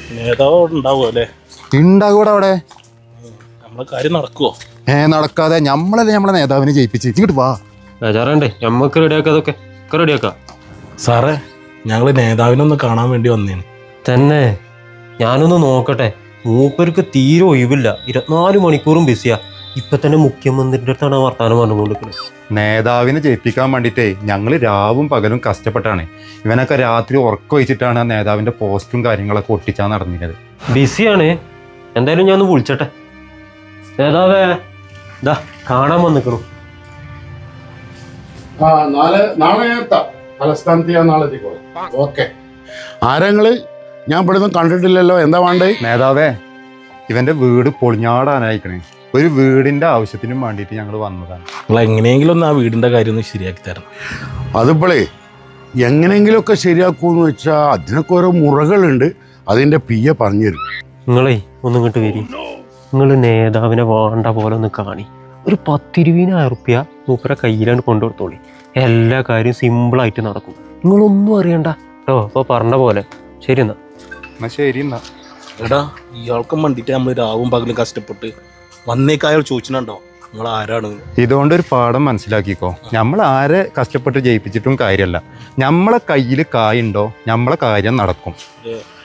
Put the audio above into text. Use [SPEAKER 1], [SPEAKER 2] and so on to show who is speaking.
[SPEAKER 1] നേതാവ് ഉണ്ടാവുമോ അല്ലേ?
[SPEAKER 2] ഉണ്ടാകൂടെ അവിടെ.
[SPEAKER 1] നമ്മളെ കാര്യം നടക്കുവോ?
[SPEAKER 2] നടക്കാതെ നമ്മളല്ലേ നമ്മളെ നേതാവിനെ ജയിപ്പിച്ച്. ഇങ്ങോട്ട് വാ.
[SPEAKER 3] ബേജാറണ്ടേ, നമ്മക്ക് റെഡിയാക്കാം, അതൊക്കെ റെഡിയാക്കാം.
[SPEAKER 1] സാറേ, ഞങ്ങൾ നേതാവിനൊന്ന് കാണാൻ വേണ്ടി വന്നേന്.
[SPEAKER 3] തന്നെ ഞാനൊന്ന് നോക്കട്ടെ. മൂപ്പർക്ക് തീരെ ഒഴിവില്ല, 24 മണിക്കൂറും ബിസിയാ. ഇപ്പൊ തന്നെ മുഖ്യമന്ത്രിയുടെ അടുത്താണ് വർത്താനം പറഞ്ഞുകൊണ്ടിരിക്കുന്നത്.
[SPEAKER 2] നേതാവിനെ ജയിപ്പിക്കാൻ വേണ്ടിയിട്ടേ ഞങ്ങൾ രാവും പകലും കഷ്ടപ്പെട്ടാണ്. ഇവനൊക്കെ രാത്രി ഉറക്കം വെച്ചിട്ടാണ് നേതാവിന്റെ പോസ്റ്റും കാര്യങ്ങളൊക്കെ ഒട്ടിച്ചാൽ നടന്നിരുന്നത്.
[SPEAKER 3] ബിസിയാണ്. എന്തായാലും ഞാൻ ഒന്ന് വിളിച്ചട്ടെ. നേതാവേ, ഇതാ കാണാൻ വന്നിക്കണു.
[SPEAKER 4] നാളെ എത്താം. തലസ്ഥാനത്ത് ഞാൻ നാളെ എത്തിക്കോളാം. ഓക്കെ. ആരെങ്ങള്? ഞാൻ ഇവിടുന്ന് കണ്ടിട്ടില്ലല്ലോ. എന്താ വേണ്ടേ?
[SPEAKER 2] നേതാവേ, ഇവന്റെ വീട് പൊളിഞ്ഞാടാനായിക്കണേ. ഒരു വീടിന്റെ ആവശ്യത്തിനും വേണ്ടിയിട്ട് ഞങ്ങൾ വന്നതാണ്.
[SPEAKER 1] നിങ്ങൾ എങ്ങനെയെങ്കിലും ഒന്ന് ആ വീടിന്റെ കാര്യം ഒന്ന് ശരിയാക്കി തരണം.
[SPEAKER 4] അതിപ്പോളേ എങ്ങനെയെങ്കിലുമൊക്കെ ശരിയാക്കൂന്ന് വെച്ചാൽ അതിനൊക്കെ ഓരോ മുറകളുണ്ട്. അതിന്റെ പിയെ പറഞ്ഞുതരും.
[SPEAKER 3] നിങ്ങളെ ഒന്ന് ഇങ്ങോട്ട് വരി. നിങ്ങൾ നേതാവിനെ വേണ്ട പോലെ ഒന്ന് കാണി. ഒരു 10-20,000 റുപ്യ മൂപ്പരെ കയ്യിലാണ് കൊണ്ടുകൊടുത്തോളി. എല്ലാ കാര്യവും സിമ്പിളായിട്ട് നടക്കും. നിങ്ങളൊന്നും അറിയണ്ട കേട്ടോ. അപ്പോൾ പറഞ്ഞ പോലെ. ശരി എന്നാ.
[SPEAKER 2] ശരി എന്നാ.
[SPEAKER 1] എടാ, ഇയാൾക്കും വേണ്ടിയിട്ട് നമ്മൾ രാവും പകലും കഷ്ടപ്പെട്ട് വന്നേക്കായാൽ ചോദിച്ചിട്ടുണ്ടോ നിങ്ങൾ ആരാണ്?
[SPEAKER 2] ഇതുകൊണ്ട് ഒരു പാഠം മനസ്സിലാക്കിക്കോ. നമ്മൾ ആരെ കഷ്ടപ്പെട്ട് ജയിപ്പിച്ചിട്ടും കാര്യമല്ല. നമ്മളെ കയ്യിൽ കായുണ്ടോ നമ്മളെ കാര്യം നടക്കും.